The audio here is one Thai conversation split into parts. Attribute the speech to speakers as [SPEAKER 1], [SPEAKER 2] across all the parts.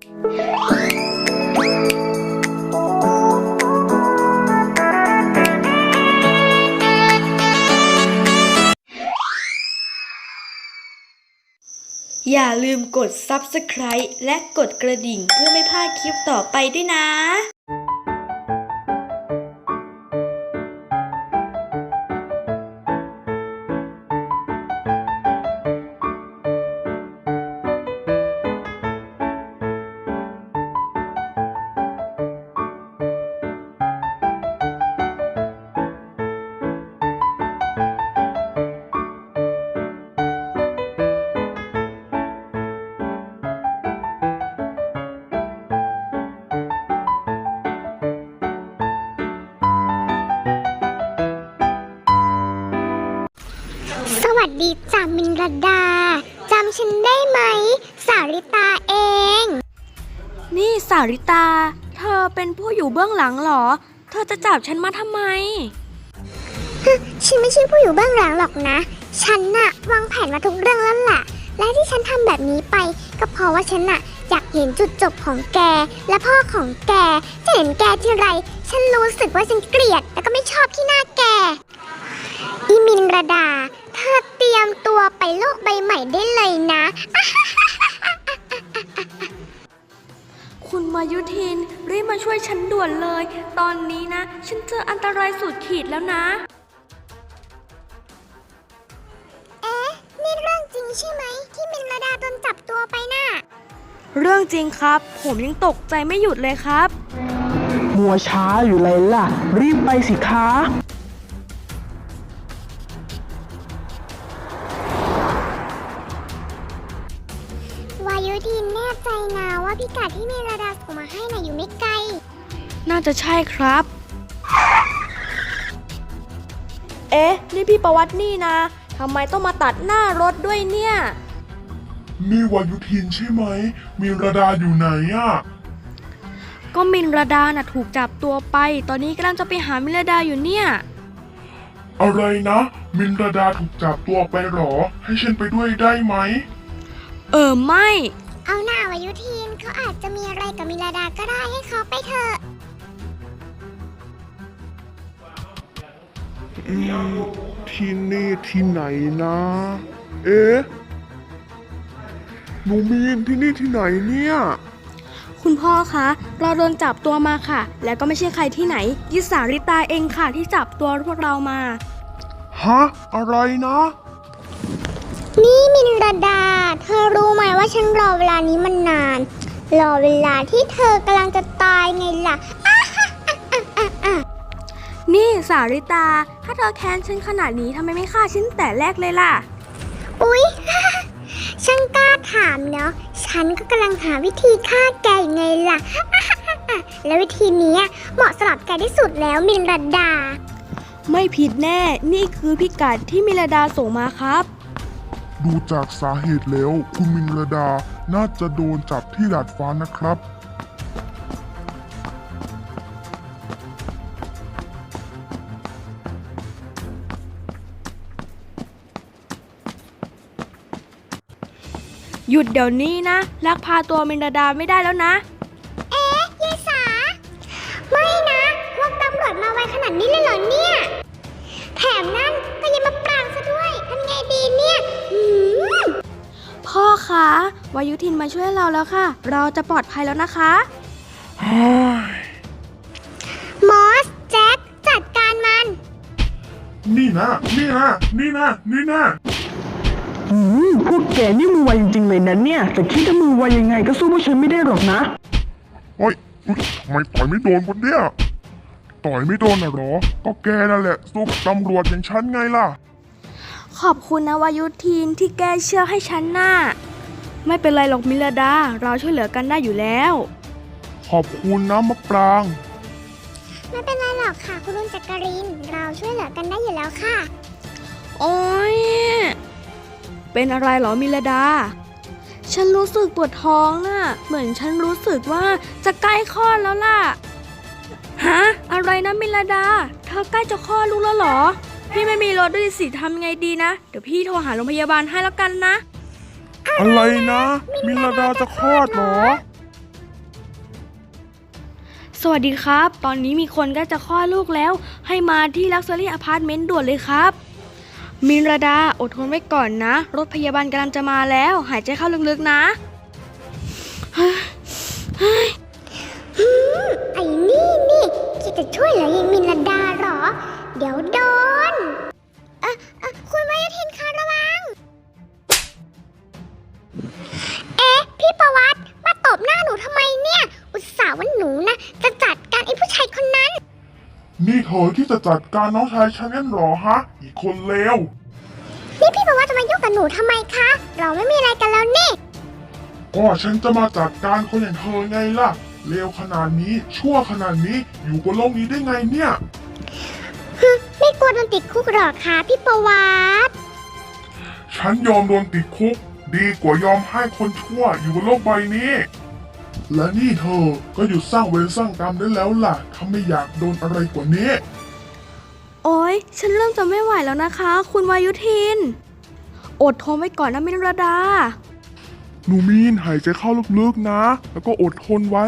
[SPEAKER 1] อย่าลืมกด Subscribe และกดกระดิ่งเพื่อไม่พลาดคลิปต่อไปด้วยนะ
[SPEAKER 2] สวัสดีจ้ามินรดาจำฉันได้ไหมสาริตาเอง
[SPEAKER 1] นี่สาริตาเธอเป็นผู้อยู่เบื้องหลังเหรอเธอจะจับฉันมาทำไม
[SPEAKER 2] ฉันไม่ใช่ผู้อยู่เบื้องหลังหรอกนะฉันน่ะวางแผนมาทุกเรื่องแล้วล่ะและที่ฉันทำแบบนี้ไปก็เพราะว่าฉันน่ะอยากเห็นจุดจบของแกและพ่อของแกจะเห็นแกทีไรฉันรู้สึกว่าฉันเกลียดและก็ไม่ชอบที่หน้าแกอีมินรดาเธอเตรียมตัวไปโลกใบใหม่ได้เลยนะ
[SPEAKER 1] คุณมายุทินรีบมาช่วยฉันด่วนเลยตอนนี้นะฉันเจออันตรายสุดขีดแล้วนะ
[SPEAKER 2] นี่เรื่องจริงใช่ไหมที่มินรดาโดนจับตัวไปน่ะ
[SPEAKER 1] เรื่องจริงครับผมยังตกใจไม่หยุดเลยครับ
[SPEAKER 3] มัวช้าอยู่เลยล่ะรีบไปสิคะ
[SPEAKER 2] วายุทินแน่ใจนะว่าพิกัดที่มินรดาส่งมาให้น่ะอยู่ไม่ไกล
[SPEAKER 1] น่าจะใช่ครับเอ๊ะนี่พี่ประวัตินี่นะทำไมต้องมาตัดหน้ารถด้วยเนี่ย
[SPEAKER 4] นี่วายุทินใช่ไหมมินรดาอยู่ไหนอ่ะ
[SPEAKER 1] ก็มินรดาน่ะถูกจับตัวไปตอนนี้กำลังจะไปหามินรดาอยู่เนี่ย
[SPEAKER 4] อะไรนะมินรดาถูกจับตัวไปหรอให้ฉันไปด้วยได้ไหม
[SPEAKER 1] ไม่
[SPEAKER 2] เอาหน้าวายุทินเขาอาจจะมีอะไรกับมินรดาก็ได้ให้เขาไปเถอะ
[SPEAKER 4] ที่นี่ที่ไหนนะเอ๊ะหนูมีนที่นี่ที่ไหนเนี่ย
[SPEAKER 1] คุณพ่อคะเราโดนจับตัวมาค่ะแล้วก็ไม่ใช่ใครที่ไหนยิสาริตาเองค่ะที่จับตัวพวกเรามา
[SPEAKER 4] ฮะอะไรนะ
[SPEAKER 2] นี่มินรดาเธอรู้ไหมว่าฉันรอเวลานี้มันนานรอเวลาที่เธอกำลังจะตายไงล่ะ
[SPEAKER 1] นี่สาริตาถ้าเธอแค้นฉันขนาดนี้ทำไมไม่ฆ่าฉันแต่แรกเลยล่ะ
[SPEAKER 2] อุ๊ยช่างกล้าถามเนาะฉันก็กำลังหาวิธีฆ่าแกไงล่ะแล้ววิธีนี้เหมาะสำหรับแกที่สุดแล้วมินรดา
[SPEAKER 1] ไม่ผิดแน่นี่คือพิกัดที่มินรดาส่งมาครับ
[SPEAKER 4] ดูจากสาเหตุแล้วคุณมินรดาน่าจะโดนจับที่ดาดฟ้านะครับ
[SPEAKER 1] หยุดเดี๋ยวนี้นะลักพาตัวมินรดาไม่ได้แล้วนะ
[SPEAKER 2] เอ๊ะยายสาไม่นะพวกตำรวจมาไวขนาดนี้เลยเหรอเนี่ยแถมนั่นก็ยังมาปรางซะด้วยทำไงดีเนี่ย
[SPEAKER 1] พ่อคะวายุทินมาช่วยเราแล้วค่ะเราจะปลอดภัยแล้วนะคะ
[SPEAKER 2] มอสแจ็คจัดการมัน
[SPEAKER 4] นี่นะ
[SPEAKER 3] พวกแกนี่มือไวจริงๆเลยนะเนี่ยแต่คิดว่ามือไวยังไงก็สู้พวกฉันไม่ได้หรอกนะ
[SPEAKER 4] เฮ้ยทำไมต่อยไม่โดนคนเนี่ยต่อยไม่โดนน่ะหรอก็แกนั่นแหละสู้กับตำรวจอย่างฉันไงล่ะ
[SPEAKER 1] ขอบคุณนะวายุทินที่แกเชื่อให้ฉันน่ะไม่เป็นไรหรอกมินรดาเราช่วยเหลือกันได้อยู่แล้ว
[SPEAKER 4] ขอบคุณนะมะปราง
[SPEAKER 2] ไม่เป็นไรหรอกค่ะคุณลุงจักรินเราช่วยเหลือกันได้อยู่แล้วค่ะ
[SPEAKER 1] โอ๊ยเป็นอะไรเหรอมินรดาฉันรู้สึกปวดท้องน่ะเหมือนฉันรู้สึกว่าจะใกล้คลอดแล้วล่ะฮะอะไรนะมินรดาเธอใกล้จะคลอดลูกแล้วเหรอพี่ไม่มีรถด้วยสิทำไงดีนะเดี๋ยวพี่โทรหาโรงพยาบาลให้แล้วกันนะ
[SPEAKER 4] อะไรนะมินรดาจะคลอดเหรอ
[SPEAKER 1] วัสดีครับ ตอนนี้มีคนใกล้จะคลอดลูกแล้ว ให้มาที่ Luxury Apartment ด่วนเลยครับ มินราดาอดทนไว้ก่อนนะ รถพยาบาลกำลังจะมาแล้ว หายใจเข้าลึกๆนะ
[SPEAKER 2] ไอ้นี่คิดจะช่วยเหรอยายมินลดาเหรอ เดี๋ยวโดนคุณวายุทินคะระวัง พี่ประวัติมาตบหน้าหนูทำไมเนี่ย อุตส่าห์ว่าหนูนะจะจัดการไอ้ผู้ชายคนนั้น
[SPEAKER 4] นี่เธอที่จะจัดการน้องชายฉันนั่นเหรอฮะ อีกคนเลว
[SPEAKER 2] นี่พี่ประวัติจะมายุ่งกับหนูทำไมคะ เราไม่มีอะไรกันแล้วนี่
[SPEAKER 4] ก็ฉันจะมาจัดการคนอย่างเธอไงล่ะ เลวขนาดนี้ชั่วขนาดนี้อยู่บนโลกนี้ได้ไงเนี่ย
[SPEAKER 2] ไม่กลัวโดนติดคุกหรอคะพี่ประวัติ
[SPEAKER 4] ฉันยอมโดนติดคุก ดีกว่ายอมให้คนชั่วอยู่บนโลกใบนี้ และนี่เธอก็หยุดสร้างเวรสร้างกรรมได้แล้วล่ะถ้าไม่อยากโดนอะไรกว่านี้
[SPEAKER 1] โอ๊ย ฉันเริ่มจะไม่ไหวแล้วนะคะ คุณวายุทิน อดทนไว้ก่อนนะมินราดา
[SPEAKER 4] หนูมีนหายใจเข้าลึกๆนะ แล้วก็อดทนไว้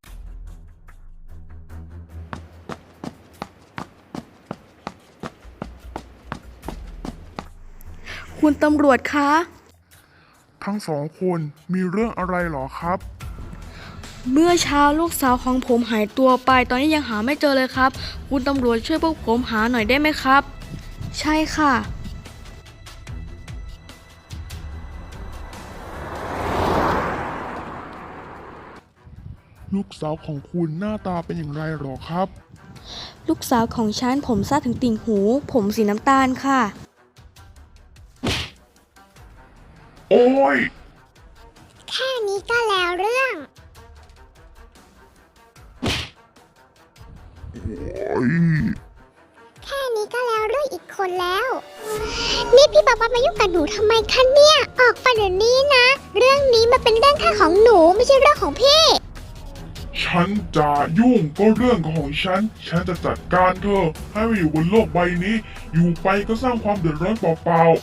[SPEAKER 1] คุณตำรวจคะ
[SPEAKER 4] ทั้งสองคนมีเรื่องอะไรหรอครับ
[SPEAKER 1] เมื่อเช้าลูกสาวของผมหายตัวไป ตอนนี้ยังหาไม่เจอเลยครับ คุณตำรวจช่วยพวกผมหาหน่อยได้ไหมครับ ใช่ค่ะ
[SPEAKER 4] ลูกสาวของคุณหน้าตาเป็นอย่างไรหรอครับ
[SPEAKER 1] ลูกสาวของฉันผมสั้นถึงติ่งหู ผมสีน้ำตาลค่ะ
[SPEAKER 4] โอ้ย
[SPEAKER 2] แค่นี้ก็แล้วเรื่อง แค่นี้ก็แล้วเรื่องอีกคนแล้ว นี่พี่ประวัติมายุ่งกับหนูทำไมคะเนี่ย ออกไปเดี๋ยวนี้นะ เรื่องนี้มันเป็นเรื่องแค่ของหนูไม่ใช่เรื่องของพี่
[SPEAKER 4] ฉันจะยุ่งก็เรื่องของฉัน ฉันจะจัดการเธอให้มาอยู่บนโลกใบนี้ อยู่ไปก็สร้างความเดือดร้อนเปล่า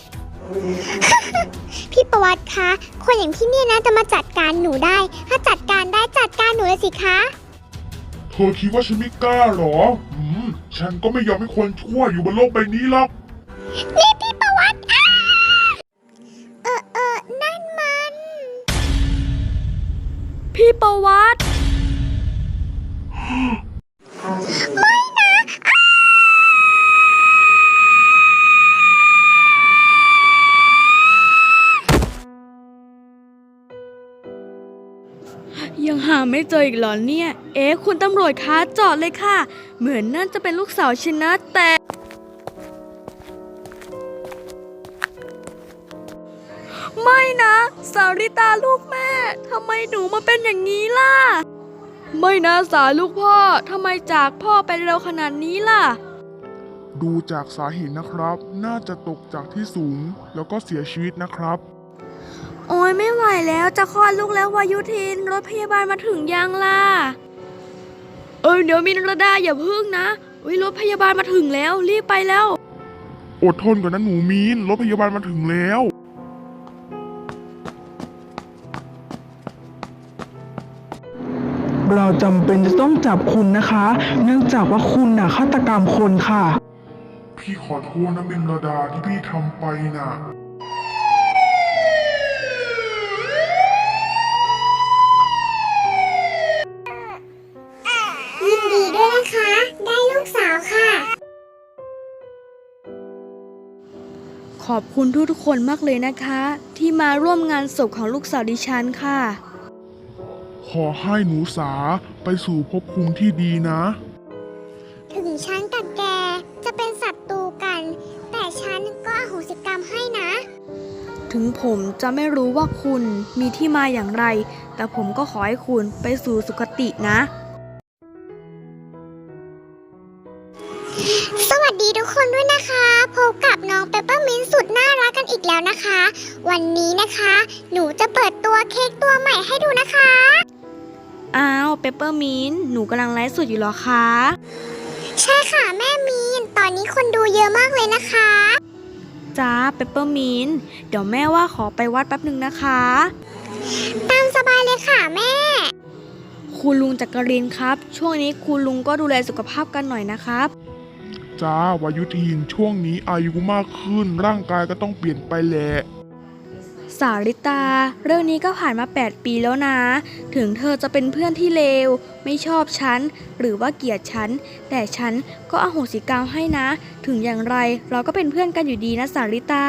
[SPEAKER 2] พี่ประวัติคะคนอย่างพี่เนี่ยนะจะมาจัดการหนูได้ ถ้าจัดการได้จัดการหนูเลยสิคะ
[SPEAKER 4] ๆ เธอคิดว่าฉันไม่กล้าหรอ ฉันก็ไม่ยอมให้คนชั่วอยู่บนโลกใบนี้หรอก
[SPEAKER 2] นี่พี่ประวัตินั่นมัน
[SPEAKER 1] พี่ประวัติ ยังหาไม่เจออีกเหรอเนี่ย คุณตำรวจคะจอดเลยค่ะ เหมือนนั่นจะเป็นลูกสาวฉันนะแต่ ไม่นะ สาริตาลูกแม่ทำไมหนูมาเป็นอย่างนี้ล่ะ ไม่นะสาลูกพ่อทำไมจากพ่อไปเร็วขนาดนี้ล่ะ
[SPEAKER 4] ดูจากสาเหตุนะครับ น่าจะตกจากที่สูง แล้วก็เสียชีวิตนะครับ
[SPEAKER 1] โอ้ยไม่ไหวแล้วจะคลอดลูกแล้ววายุทินรถพยาบาลมาถึงยังล่ะ เดี๋ยวมินรดาอย่าพึ่งนะรถพยาบาลมาถึงแล้วรีบไปแล้ว
[SPEAKER 4] อดทนก่อนนะหนูมีน รถพยาบาลมาถึงแล้ว
[SPEAKER 3] เราจำเป็นจะต้องจับคุณนะคะ เนื่องจากว่าคุณน่ะฆาตกรรมคนค่ะ
[SPEAKER 4] พี่ขอโทษนะมินรดาที่พี่ทำไปน่ะ
[SPEAKER 2] ยินดีด้วยนะคะ ได้ลูกสาวค่ะ
[SPEAKER 1] ขอบคุณทุกๆคนมากเลยนะคะ ที่มาร่วมงานศพของลูกสาวดิฉันค่ะ
[SPEAKER 4] ขอให้หนูสาไปสู่ภพภูมิที่ดีนะ
[SPEAKER 2] ถึงฉันกับแกจะเป็นศัตรูกัน แต่ฉันก็อโหสิกรรมให้นะ
[SPEAKER 1] ถึงผมจะไม่รู้ว่าคุณมีที่มาอย่างไร แต่ผมก็ขอให้คุณไปสู่สุคตินะ
[SPEAKER 2] สวัสดีทุกคนด้วยนะคะ พบกับน้องเปปเปอร์มินต์สุดน่ารักกันอีกแล้วนะคะ วันนี้นะคะ หนูจะเปิดตัวเค้กตัวใหม่ให้ดูนะคะ
[SPEAKER 1] อ้าวเปปเปอร์มินต์หนูกำลังไลฟ์สดอยู่เหรอคะ
[SPEAKER 2] ใช่ค่ะแม่มีน ตอนนี้คนดูเยอะมากเลยนะคะ
[SPEAKER 1] จ้าเปปเปอร์มินต์เดี๋ยวแม่ว่าขอไปวัดแป๊บหนึ่งนะคะ
[SPEAKER 2] ตามสบายเลยค่ะแม่
[SPEAKER 1] คุคุณลุงจักรินทร์ครับ ช่วงนี้คุณลุงก็ดูแลสุขภาพกันหน่อยนะครับ
[SPEAKER 4] จ้าวายุทินช่วงนี้อายุมากขึ้นร่างกายก็ต้องเปลี่ยนไปแหละ
[SPEAKER 1] สาริตา เรื่องนี้ก็ผ่านมา 8 ปีแล้วนะ ถึงเธอจะเป็นเพื่อนที่เลว ไม่ชอบฉัน หรือว่าเกลียดฉัน แต่ฉันก็อโหสิกรรมให้นะ ถึงอย่างไรเราก็เป็นเพื่อนกันอยู่ดีนะสาริตา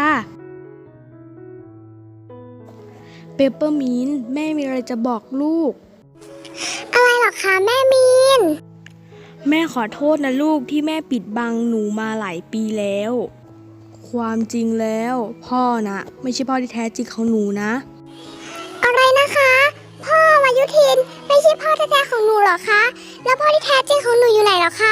[SPEAKER 1] เปปเปอร์มินต์แม่มีอะไรจะบอกลูก
[SPEAKER 2] อะไรหรอคะแม่มีน
[SPEAKER 1] แม่ขอโทษนะลูกที่แม่ปิดบังหนูมาหลายปีแล้ว ความจริงแล้วพ่อนะไม่ใช่พ่อที่แท้จริงของหนูนะ
[SPEAKER 2] อะไรนะคะ พ่อวายุทินไม่ใช่พ่อแท้ๆของหนูเหรอคะ แล้วพ่อที่แท้จริงของหนูอยู่ไหนเหรอคะ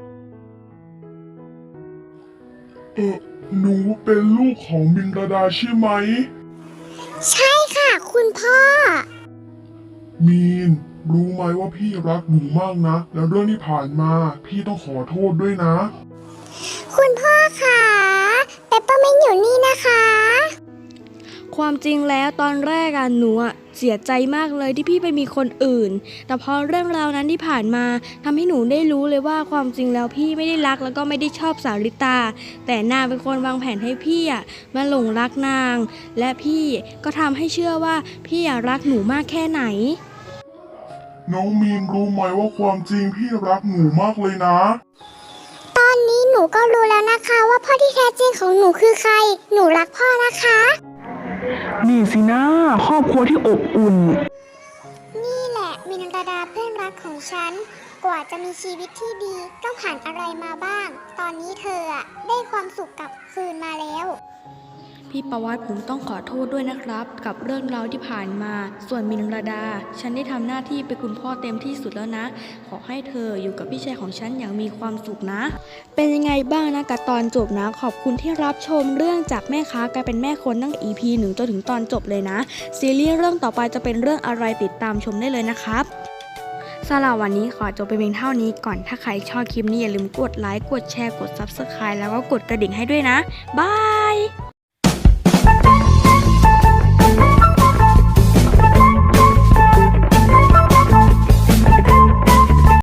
[SPEAKER 4] หนูเป็นลูกของมินรดาใช่ไหม
[SPEAKER 2] ใช่ค่ะ คุณพ่อ
[SPEAKER 4] มีน รู้ไหมว่าพี่รักหนูมากนะ แล้วเรื่องที่ผ่านมา พี่ต้องขอโทษด้วยนะ
[SPEAKER 2] คุณพ่อค่ะเปปเปอร์มินต์อยู่นี่นะคะ
[SPEAKER 1] ความจริงแล้วตอนแรกหนูเสียใจมากเลยที่พี่ไปมีคนอื่น แต่พอเรื่องราวนั้นที่ผ่านมาทำให้หนูได้รู้เลยว่าความจริงแล้วพี่ไม่ได้รักแล้วก็ไม่ได้ชอบสาริตา แต่นางเป็นคนวางแผนให้พี่มาหลงรักนาง และพี่ก็ทำให้เชื่อว่าพี่รักหนูมากแค่ไหน
[SPEAKER 4] น้องมีนรู้ไหมว่าความจริงพี่รักหนูมากเลยนะ
[SPEAKER 2] ตอนนี้หนูก็รู้แล้วนะคะว่าพ่อที่แท้จริงของหนูคือใคร หนูรักพ่อนะคะ
[SPEAKER 3] นี่สินะครอบครัวที่อบอุ่น
[SPEAKER 2] นี่แหละมินรดาเพื่อนรักของฉัน กว่าจะมีชีวิตที่ดีก็ผ่านอะไรมาบ้าง ตอนนี้เธอได้ความสุขกลับคืนมาแล้ว
[SPEAKER 1] พี่ประวัติผมต้องขอโทษด้วยนะครับ กับเรื่องราวที่ผ่านมา ส่วนมินรดา ฉันได้ทำหน้าที่เป็นคุณพ่อเต็มที่สุดแล้วนะ ขอให้เธออยู่กับพี่ชายของฉันอย่างมีความสุขนะ เป็นยังไงบ้างนะกับตอนจบนะ ขอบคุณที่รับชมเรื่องจากแม่ค้ากลายเป็นแม่คนตั้งแต่ EP 1 จนถึงตอนจบเลยนะ ซีรีส์เรื่องต่อไปจะเป็นเรื่องอะไรติดตามชมได้เลยนะครับสำหรับวันนี้ขอจบไปเพียงเท่านี้ก่อนถ้าใครชอบคลิปนี้อย่าลืมกดไลค์กดแชร์กด Subscribe แล้วก็กดกระดิ่งให้ด้วยนะบาย